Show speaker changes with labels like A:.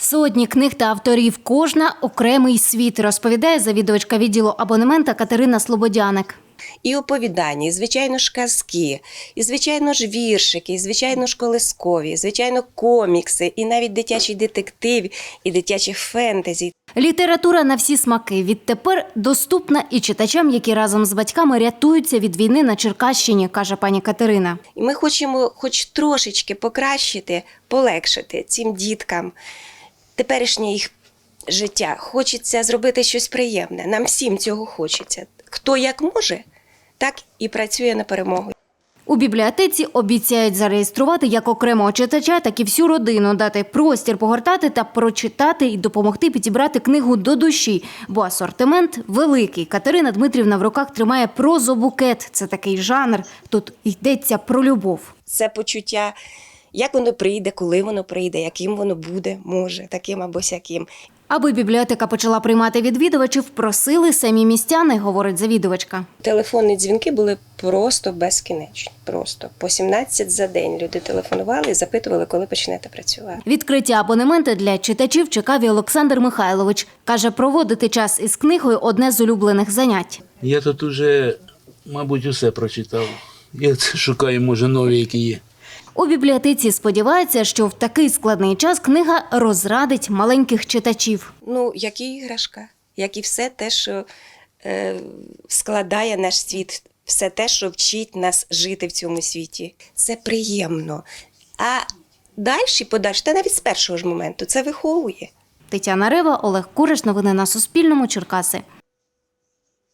A: Сотні книг та авторів, кожна окремий світ, розповідає завідувачка відділу абонемента Катерина Слободяник.
B: І оповідання, і, звичайно ж, казки, і, звичайно ж, віршики, і, звичайно ж, колискові, і, звичайно, комікси, і навіть дитячий детектив, і дитячі фентезі.
A: Література на всі смаки відтепер доступна і читачам, які разом з батьками рятуються від війни на Черкащині, каже пані Катерина.
B: І ми хочемо хоч трошечки покращити, полегшити цим діткам теперішнє їх життя. Хочеться зробити щось приємне. Нам всім цього хочеться. Хто як може, так і працює на перемогу.
A: У бібліотеці обіцяють зареєструвати як окремого читача, так і всю родину, дати простір погортати та прочитати і допомогти підібрати книгу до душі, бо асортимент великий. Катерина Дмитрівна в руках тримає прозобукет. Це такий жанр, тут йдеться про любов.
B: Це почуття, як воно прийде, коли воно прийде, яким воно буде, може, таким або сяким.
A: Аби бібліотека почала приймати відвідувачів, просили самі містяни, говорить завідувачка.
B: Телефонні дзвінки були просто безкінечні. Просто по 17 за день люди телефонували і запитували, коли почнете працювати.
A: Відкриття абонемента для читачів чекав і Олександр Михайлович. Каже, проводити час із книгою – одне з улюблених занять.
C: Я тут уже, мабуть, усе прочитав. Я це шукаю, може, нові, які є.
A: У бібліотеці сподіваються, що в такий складний час книга розрадить маленьких читачів.
B: Як і іграшка, як і все те, що складає наш світ, все те, що вчить нас жити в цьому світі. Це приємно. А подальше, та навіть з першого ж моменту, це виховує.
A: Тетяна Рева, Олег Кураш. Новини на Суспільному. Черкаси.